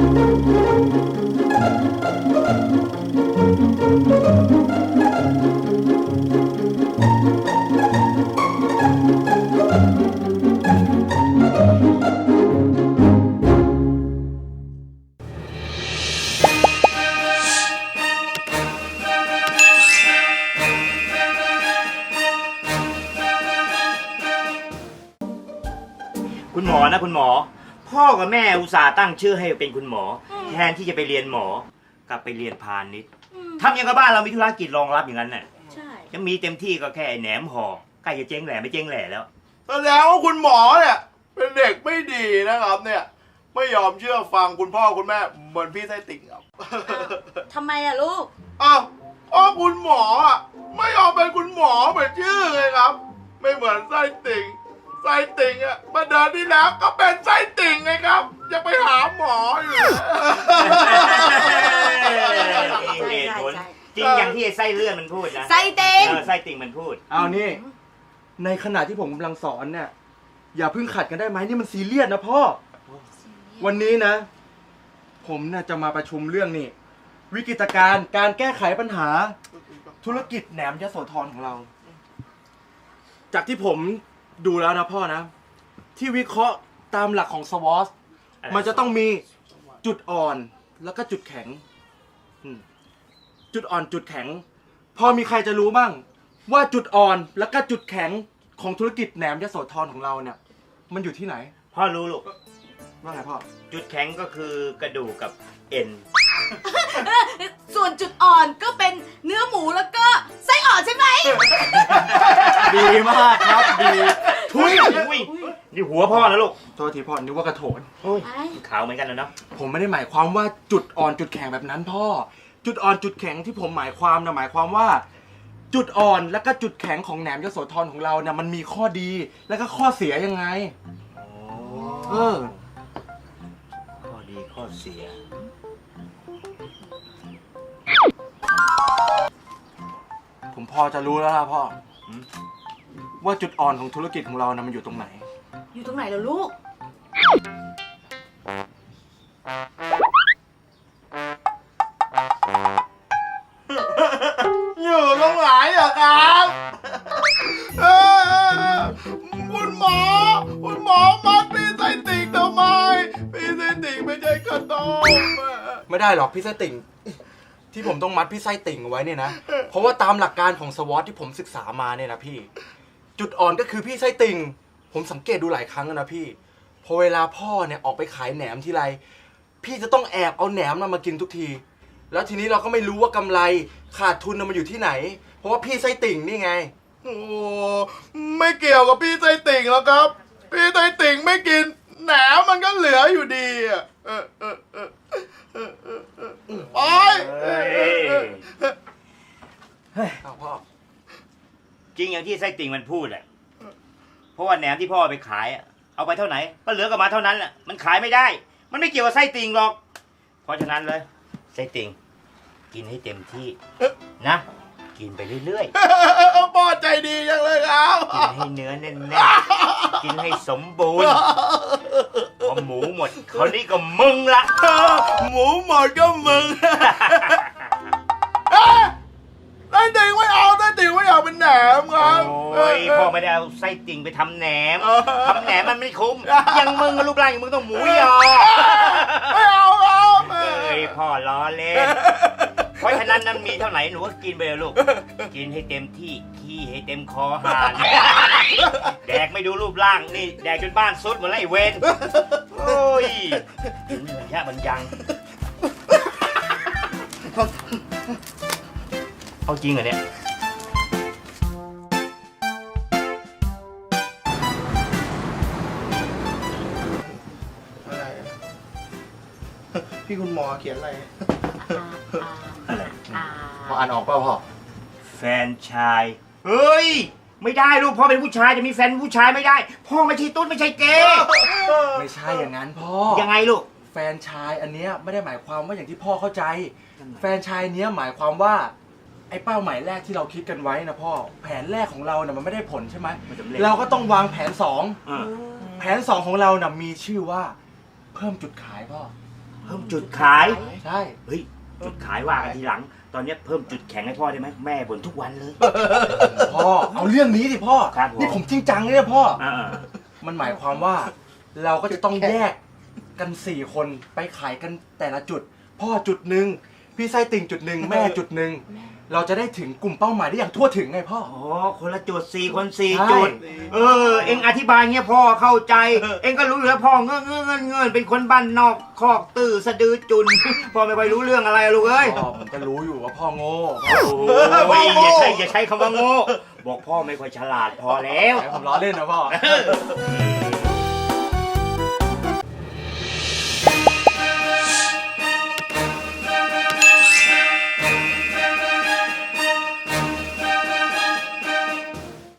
คุณหมอนะคุณหมอพ่อกับแม่อุตส่าห์ตั้งชื่อให้เป็นคุณหมอแทนที่จะไปเรียนหมอกลับไปเรียนพาณิชย์ทำอย่างกับบ้านเรามีธุรกิจรองรับอย่างนั้นน่ะใช่จะมีเต็มที่ก็แค่แหนมห่อใกล้จะเจ๊งแหล่ไม่เจ๊งแหล่แล้วแสดงว่าคุณหมอเนี่ยเป็นเด็กไม่ดีนะครับเนี่ยไม่ยอมเชื่อฟังคุณพ่อคุณแม่เหมือนพี่ไส้ติ่งครับทำไมอะลูกอ้าวเพราะคุณหมออ่ะไม่ยอมเป็นคุณหมอเหมือนชื่อเลยครับไม่เหมือนไส้ติ่งไส้ติ่งอ่ะมาเดือนที่แล้วก็เป็นไส้ติ่งไงครับยังไปหาหมออยู่เหตุผลจริงอย่างที่ไอ้ไส้เลื่อนมันพูดนะไส้ติ่งไส้ติ่งมันพูดเอานี่ในขณะที่ผมกำลังสอนเนี่ยอย่าเพิ่งขัดกันได้ไหมนี่มันซีเรียสนะพ่อวันนี้นะผมน่ะจะมาประชุมเรื่องนี่วิกฤตการณ์การแก้ไขปัญหาธุรกิจแหนมยโสธรของเราจากที่ผมดูแล้วนะพ่อนะที่วิเคราะห์ตามหลักของสวอตมันจะต้องมีจุดอ่อนแล้วก็จุดแข็งจุดอ่อนจุดแข็งพอมีใครจะรู้บ้างว่าจุดอ่อนแล้วก็จุดแข็งของธุรกิจแหนมยโสธรของเราเนี่ยมันอยู่ที่ไหนพ่อรู้ลูกว่าไงพ่อจุดแข็งก็คือกระดูกกับเอ็นส่วนจุดอ่อนก็เป็นเนื้อหมูแล้วก็ไส้อ่อนใช่ไหมดีมากครับดีทุยนี่หัวพ่อนะลูกโทษทีพ่อนึกว่ากระโถนขาวเหมือนกันแล้วเนาะผมไม่ได้หมายความว่าจุดอ่อนจุดแข็งแบบนั้นพ่อจุดอ่อนจุดแข็งที่ผมหมายความนะหมายความว่าจุดอ่อนและก็จุดแข็งของแหนมยโสธรของเราเนี่ยมันมีข้อดีและก็ข้อเสียยังไงข้อดีข้อเสียผมพอจะรู้แล้วนะพ่อว่าจุดอ่อนของธุรกิจของเรานะมันอยู่ตรงไหนอยู่ตรงไหนล่ะลูกอยู่ตรงไหนอะครับคุณหมอมัดพี่ไส้ติ่งทำไมพี่ไส้ติ่งไม่ใช่ขนมไม่ได้หรอกพี่ไส้ติ่งที่ผมต้องมัดพี่ไส้ติ่งเอาไว้เนี่ยนะเพราะว่าตามหลักการของสวอตที่ผมศึกษามาเนี่ยนะพี่จุดอ่อนก็คือพี่ไส้ติ่งผมสังเกตดูหลายครั้งแล้วนะพี่พอเวลาพ่อเนี่ยออกไปขายแหนมทีไรพี่จะต้องแอบเอาแหนมมากินทุกทีแล้วทีนี้เราก็ไม่รู้ว่ากำไรขาดทุนมันอยู่ที่ไหนเพราะว่าพี่ไส้ติ่งนี่ไงโอ้ไม่เกี่ยวกับพี่ไส้ติ่งแล้วครับพี่ไส้ติ่งไม่กินแหนมมันก็เหลืออยู่ดีอ่ะไปเอาพ่อจริงอย่างที่ไส้ติ่งมันพูดแหละเพราะว่าแหนมที่พ่อไปขายเอาไปเท่าไหนก็เหลือกับมาเท่านั้นแหละมันขายไม่ได้มันไม่เกี่ยวกับไส้ติ่งหรอกเพราะฉะนั้นเลยไส้ติ่งกินให้เต็มที่นะกินไปเรื่อยๆพ่อใจดีจังเลยครับกินให้เนื้อแน่นๆกินให้สมบูรณ์พอหมูหมดเขานี่ก็มึงละหมูหมดก็มึงไส้ติ่งไม่เอาไส้ติ่งไม่เอาเป็นแหนมครับโอ้ยพ่อไม่ได้เอาไส้ติ่งไปทำแหนมมันไม่คุ้มยังมึงรูปร่างอย่างมึงต้องหมูยอไม่เอาครับพ่อล้อเล่นเพราะฉะนั้นนั้นมีเท่าไหร่หนูก็กินไปเลยลูกกินให้เต็มที่ขี้ให้เต็มคอหานแดกไม่ดูรูปร่างนี่แดกจนบ้านซุดหมดแล้วไอ้เวนโอ้ยกินเหมือนแค่มันยังเอาจริงเหรอเนี่ยอะไรพี่คุณหมอเขียนอะไรพออ่านออกเปล่าพ่อแฟนชายเฮ้ยไม่ได้ลูกพ่อเป็นผู้ชายจะมีแฟนผู้ชายไม่ได้พ่อไม่ใช่ตุ๊ดไม่ใช่เกย์ไม่ใช่อย่างนั้นพ่อยังไงลูกแฟนชายอันเนี้ยไม่ได้หมายความว่าอย่างที่พ่อเข้าใจแฟนชายเนี้ยหมายความว่าไอ้เป้าหมายแรกที่เราคิดกันไว้นะพ่อแผนแรกของเราเนี่ยมันไม่ได้ผลใช่ไหมเราก็ต้องวางแผน2แผน2ของเราเนี่ยมีชื่อว่าเพิ่มจุดขายพ่อเพิ่มจุดขายใช่เฮ้ยจุดขายว่ากันทีหลัง ตอนนี้เพิ่มจุดแข็งให้พ่อได้ไหมแม่บ่นทุกวันเลยพ่อเอาเรื่องนี้ดิพ่อครับผมนี่ผมจริงจังเลยนะพ่ออ่ามันหมายความว่าเราก็จะต้องแยกกัน4 คนไปขายกันแต่ละจุด พ่อจุดหนึ่งพี่ไส้ติ่งจุดหนึ่งแม่จุดหนึ่งเราจะได้ถึงกลุ่มเป้าหมายได้อย่างทั่วถึงไงพ่ออ๋อคนละจุด4 คน4 ใช่จุด เอ็งอธิบายเงี้ยพ่อเข้าใจ เอ็งก็รู้อยู่แล้วพ่อเงื่อนเป็นคนบ้านนอกคอกตื้อสะดือจุน พ่อไม่ค่อยรู้เรื่องอะไรอะลูกเอ้ยพ่อผมก็รู้อยู่ว่าพ่อโง่โอ้ยอย่าใช้คำว่าโง่บอกพ่อไม่ค่อยฉลาดพอแล้วแต่ผมล้อเล่นนะพ่อเออ